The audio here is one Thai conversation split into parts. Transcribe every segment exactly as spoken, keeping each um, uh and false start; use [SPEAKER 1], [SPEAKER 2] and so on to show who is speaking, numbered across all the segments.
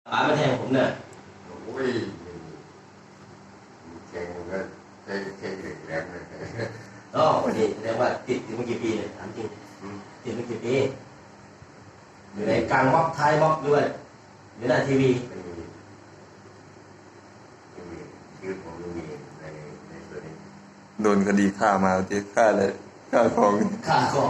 [SPEAKER 1] ป๋ามาแทงผมเนี่ย
[SPEAKER 2] โอ้ยแทงก็ใช้ใช้เด็กแรงเลย
[SPEAKER 1] อ๋อดีแสดงว่าติดถึงเมื่อกี่ปีเนี่ยถามจริงติดเมื่อกี่ปีอยู่ในกลางบล็อกท้ายบล็อกด้วยหรือหน้าทีวี
[SPEAKER 2] ไม่มีไม่มีชื่อผมไม่มีในในส่วนนี้
[SPEAKER 3] โดนคดีฆ่ามาที่ฆ่าเลยฆ่าของ
[SPEAKER 1] ฆ่าของ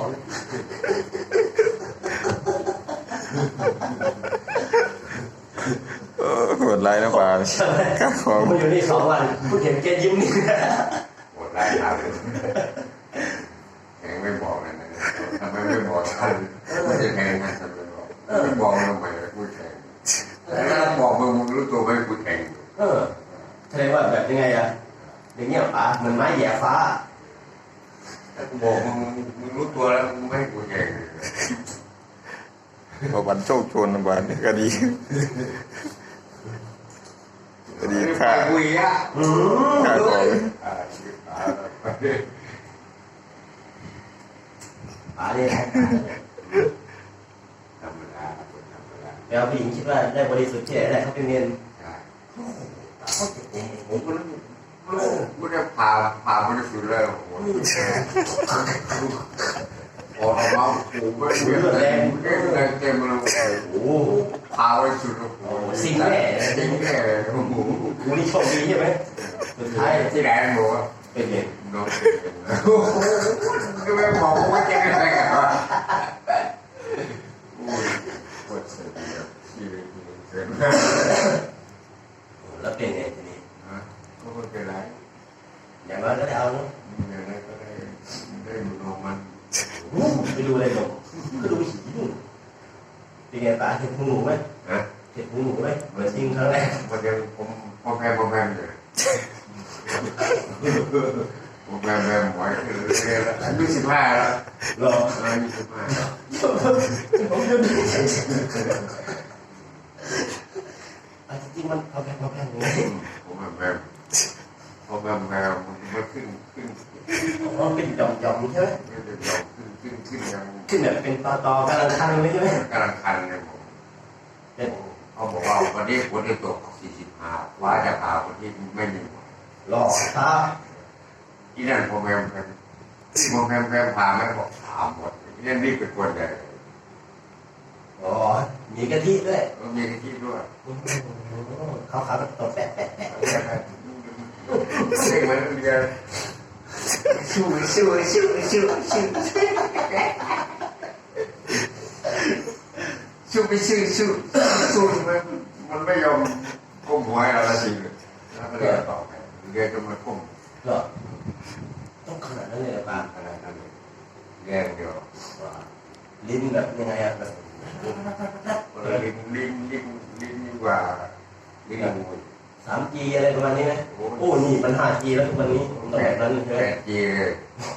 [SPEAKER 3] เออโหดร้ายนะป่าฆ่าของ
[SPEAKER 1] ผมอยู่นี่สองวันผู้เห็นแกยิ้มนี่
[SPEAKER 2] โหดร้ายครับแทงไม่บอกเลยนะทำไมไม่บอกท่านไม่จะแทงนะทำไมบอกไม่บอกทำไมพูดแทงแล้วบอกมึงมึงรู้ตัวไหมพูดแทง
[SPEAKER 1] เออแสดงว่าแบบยังไงอะอย่างเงี้ยป๋าเหมือนไม้แย่ฟ้า
[SPEAKER 2] บอกมึงมึงรู้ตัวแล้วมึงไม่พูดแทง
[SPEAKER 3] พอวันโชคชนวันนี้ก็ดีก็ดีฆ่า
[SPEAKER 2] คุยอ่ะ
[SPEAKER 3] ฆ่าของ
[SPEAKER 1] ป๋าเนี่ย
[SPEAKER 2] ธรรมดาธรรมดา
[SPEAKER 1] แล้วผู้หญิงคิดว่าได้บริสุทธิ์ที่ไหนได้เขาเป็นเงิน
[SPEAKER 2] ผมก็ไม่ได้พาพาบริสุทธิ์เลยโอ้โหพอเราผมไม่เลือดแรงแรงเต็มเลยโอ้โหพาบริสุทธิ์โอ้โห
[SPEAKER 1] สิ่งแน่
[SPEAKER 2] สิ่งแน่โอ้โห
[SPEAKER 1] กูนี่โชคดีใช่ไหมสุดท้าย
[SPEAKER 2] ที่แรงบอกว่า
[SPEAKER 1] เป็นเงิน
[SPEAKER 2] โดนโอ้โหก็ไม่บอกว่าจะเป็นอะไรกันวะโอ้ยปวดเสียชีวิตเกิน
[SPEAKER 1] แล้วเป็นไงทีนี้
[SPEAKER 2] ก็ไม่เป็นไร
[SPEAKER 1] อย่างน้อยก็ได้เอาเนาะ
[SPEAKER 2] อย่างนั้นก็ได้ได้ดูนมมัน
[SPEAKER 1] ไปดูอะไรหนูก็ดูผีหนูเป็นไงป๋าเห็นหูหนูไหมเห็นหูหนูไหมเหมือนจริงครั้งแรก
[SPEAKER 2] มันจะผมพอแพงพอแพงเลยพอแพงแพงหมอยเลยอายุสิบห้าแล้ว
[SPEAKER 1] รอ
[SPEAKER 2] อายุสิบห้า
[SPEAKER 1] ผมยังไม่ใช่จริงมันพอแพงพอแพงไง
[SPEAKER 2] ผมแพงแพงพอแพงแพงมันขึ้นขึ้น
[SPEAKER 1] มันเป็นหย่อมหย่อมใช่ไหม
[SPEAKER 2] เป็นหย่อมขึ้นขึ้นขึ้นยัง
[SPEAKER 1] ขึ้นแบบเป็นตอตอกำลังคันเลยใช่ไหม
[SPEAKER 2] กำลังคันเลยผมเขาบอกว่าวันนี้คนที่ตกสี่สิบห้าว่าจะพาคนที่ไม่มี
[SPEAKER 1] หล่อตา
[SPEAKER 2] ที่นั่นพอแพงแพงพอแพงแพงพาไม่บอกถามหมดที่นั่นรีบไปกวนเลย
[SPEAKER 1] อ๋อมีกะทิด้วย
[SPEAKER 2] มีกะทิด้วย
[SPEAKER 1] เขาขาวแบบตบแปะแปะแปะ
[SPEAKER 2] เรียกมันเรียกชูชูชูชูชูชูไปชูชูชูมันมันไม่ยอมก้มหัวอะไรจริงเลยแล้วก็เรียกต่อไปเรียกจะมาก้ม
[SPEAKER 1] ก็ต้องขนาดนั้นเลยป่ะ
[SPEAKER 2] ขนาดนั้นเลยแย่เดียว
[SPEAKER 1] ลิ้นแบบยังไงอะแบบ
[SPEAKER 2] ลิ้นลิ้นลิ้นลิ้นยิ่งกว่าลิ้นงู
[SPEAKER 1] สามจีอะไรประมาณนี้ไหมโอ้นี่มันห้าจีแล้วทุกวันนี้ต้องแบบนั้นใช่ไหม
[SPEAKER 2] แปดจีเลย